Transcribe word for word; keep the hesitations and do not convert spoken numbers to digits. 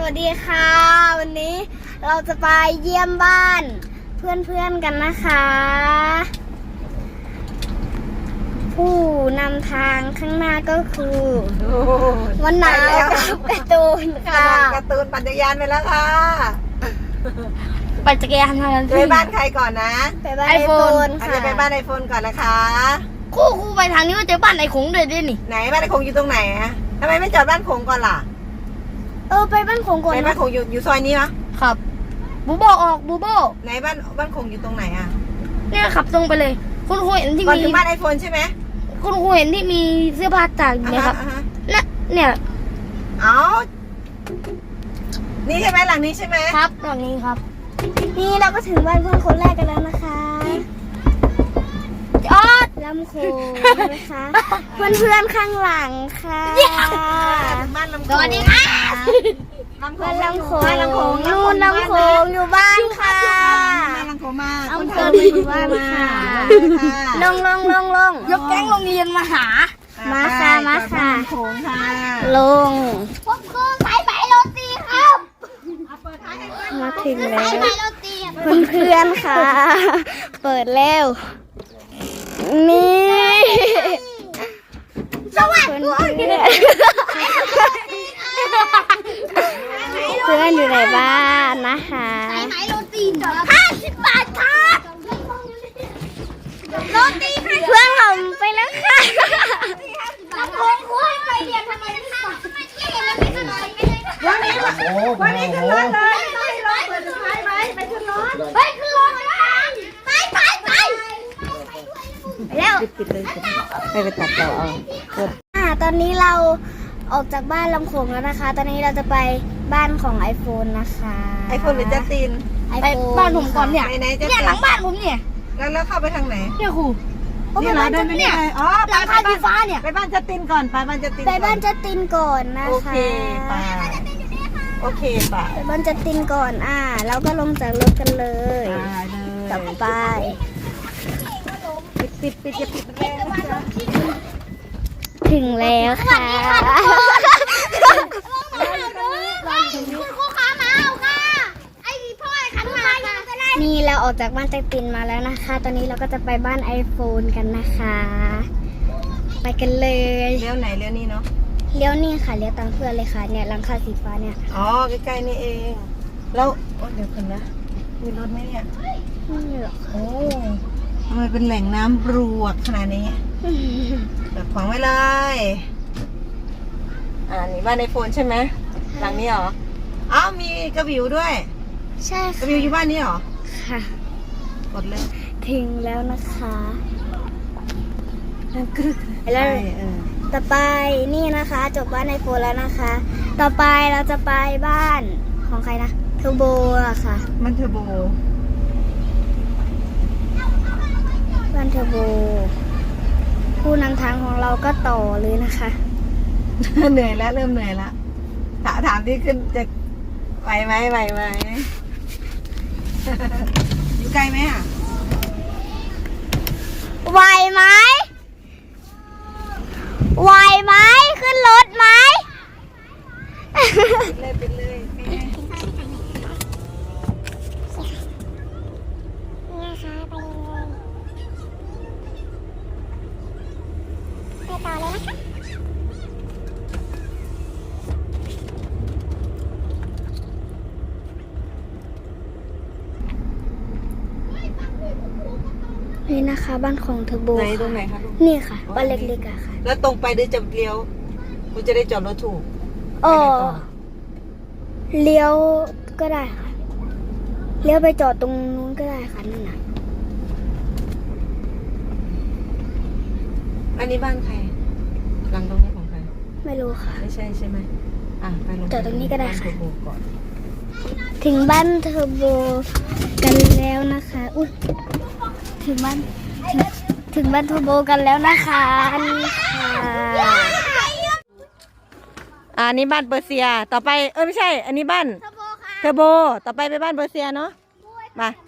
วัสดีค่ะวันนี้เราจะไปเยี่ยมบ้านเพื่อนๆกันนะคะผู้นำทางข้างหน้าก็คือวันหนาวกับการ์ตูนค่ะการ์ตูนปั่นจักรยานไปแล้วค่ะปั่นจักรยานมาไปบ้านใครก่อนนะไปบ้านไอโฟนค่ะจะไปบ้านไอโฟนก่อนนะคะคู่คู่ไปทางนี้ก็เจอบ้านไอคงเลยด้วยนี่ไหนบ้านไอคงอยู่ตรงไหนอะทำไมไม่จอดบ้านคงก่อนล่ะเออไปบ้านคงก่อนไปบ้านคงอยู่อยู่ซอยนี้เหรอครับบูโบออกบูโบไหนบ้านบ้านคงอยู่ตรงไหนอะเนี่ยขับตรงไปเลยคุณครูเห็นที่มีก่อนถึงบ้านไอโฟนใช่ไหมคุณครูเห็นที่มีเสื้อผ้าตากอยู่ไหมครับน่ะเนี่ยเอานี่ใช่ไหมหลังนี้ใช่ไหมครับหลังนี้ครับนี่เราก็ถึงบ้านเพื่อนคนแรกกันแล้วนะคะจอดลำโขงนะคะเพื่อนเพื่อนข้างหลังค่ะบ้านลำโขงสวัสดีค่ะบ้านลำโขงลำโขงนู่นลำโขงอยู่บ้านค่ะบ้านลำโขงมาอำเภออยู่บ้านค่ะลงลงลงลงยกแก๊งโรงเรียนมาหามาค่ะมาค่ะลำโขงค่ะลงพบคือสายไหมโรตีครับมาถึงแล้วเพื่อนเพื่อนค่ะ เปิดแล้วนี่สวัสดีเพื่อนอยู่ในบ้านนะคะสายไหมโรตีห้าสิบบาทครับโรตีเพื่อนผมไปแล้วค่ะลำโพงคุยไปเรียนทำไมค่ะวันนี้วันนี้ขึ้นรถเลยไม่รถเปิดสุดท้ายไหมไปขึ้นรถไปขึ้นรถไปไปไปแล้วปิดเลยไปไปตัดต่อเอาอ่าตอนนี้เราออกจากบ้านลำโขงแล้วนะคะตอนนี้เราจะไปบ้านของ iPhone นะคะ iPhone หรือจัสตินไปบ้านผมก่อนเนี่ยเนี่ยหลังบ้านผมเนี่ยแล้วแล้วเข้าไปทางไหนเนี่ยครูนี่เราเดินไปเนี่ยอ๋อหลังคาสีฟ้าเนี่ยไปบ้านจัสตินก่อนไปบ้านจัสตินไปบ้านจัสตินก่อนนะคะโอเคไปโอเคไปไปบ้านจัสตินก่อนอ่าแล้วก็ลงจากรถกันเลยต่อไปปิดปิดปิดจะปิดแรงถึงแล้วค่ะนี่เราออกจากบ้านจัสตินมาแล้วนะคะตอนนี้เราก็จะไปบ้าน iPhone กันนะคะไปกันเลยเลี้ยวไหนเลี้ยวนี่เนาะเลี้ยวนี่ค่ะเลี้ยวตามเพื่อนเลยค่ะเนี่ยหลังคาสีฟ้าเนี่ยอ๋อใกล้ๆนี่เองแล้วโอ้เดี๋ยวคนนะมีรถไหมเนี่ยไม่หรอกโอ้ทำไมเป็นแหล่งน้ำรวกขนาดนี้แบบขวางไว้เลยอ่านี่บ้านไอโฟนใช่ไหมหลังนี้เหรออ้าวมีกระบิวด้วยใช่กระบิวอยู่บ้านนี้เหรอค่ะกดเลยถึงแล้วนะคะแล้วต่อไปนี่นะคะจบบ้านไอโฟนแล้วนะคะ ต่อไปเราจะไปบ้านของใครนะเทอร์โบอะค่ะบ้านเทอร์โบบ้านเทอร์โบผู้นำทางของเราก็ต่อเลยนะคะเหนื่อยแล้วเริ่มเหนื่อยแล้วถามถามที่ขึ้นจะไหวไหมไหวไหมอยู่ไกลไหมอ่ะไหวไหมไหวไหมขึ้นรถไหมเลยไปเลยต่อเลยนะคะนี่นะคะบ้านของเทอร์โบไหนตรงไหนคะลูกนี่ค่ะบ้านเล็กๆอะค่ะแล้วตรงไปหรือจะเลี้ยวคุณจะได้จอดรถถูกอ๋อเลี้ยวก็ได้ค่ะเลี้ยวไปจอดตรงนู้นก็ได้ค่ะนั่นน่ะอันนี้บ้านใครหลังตรงนี้ของใครไม่รู้ค่ะไม่ใช่ใช่ไหมอ่ะไปลงจอดตรงนี้ก็ได้ค่ะถึงบ้านเทอร์โบกันแล้วนะคะอุ้ยถึงบ้านถึงถึงบ้านเทอร์โบกันแล้วนะคะนี่ค่ะอ่านี่บ้านเปอร์เซียต่อไปเออไม่ใช่อันนี้บ้านเทอร์โบต่อไปไปบ้านเปอร์เซียเนาะมา